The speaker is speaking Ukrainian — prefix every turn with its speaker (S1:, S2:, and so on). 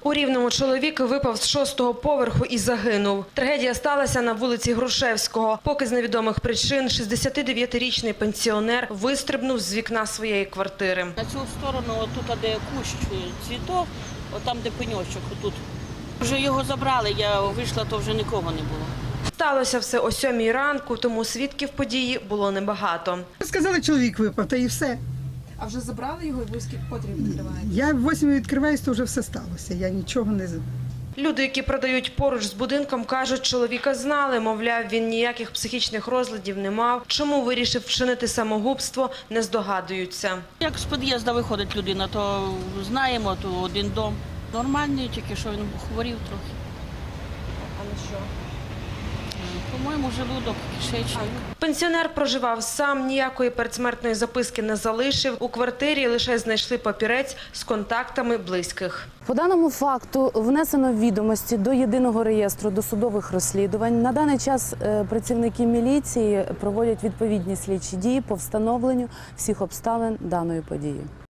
S1: У Рівному чоловік випав з 6-го поверху і загинув. Трагедія сталася на вулиці Грушевського. Поки з невідомих причин 69-річний пенсіонер вистрибнув з вікна своєї квартири.
S2: На цю сторону, отут, де кущ цвітов, отам, де пеньочок, отут. Вже його забрали, я вийшла, то вже нікого не було.
S1: Сталося все о 7-й ранку, тому свідків події було небагато.
S3: Сказали, чоловік випав, та і все.
S4: А вже забрали його і ви котрі відкриваєте?
S3: Я в 8 відкриваюсь, то вже все сталося. Я нічого не...
S1: Люди, які продають поруч з будинком, кажуть, чоловіка знали, мовляв, він ніяких психічних розладів не мав. Чому вирішив вчинити самогубство, не здогадуються.
S2: Як з під'їзду виходить людина, то знаємо, то один дом. Нормальний, тільки що він хворів трохи.
S4: А на що?
S2: По-моєму, желудок, кишечник.
S1: Пенсіонер проживав сам, ніякої передсмертної записки не залишив. У квартирі лише знайшли папірець з контактами близьких.
S5: По даному факту внесено відомості до єдиного реєстру досудових розслідувань. На даний час працівники міліції проводять відповідні слідчі дії по встановленню всіх обставин даної події.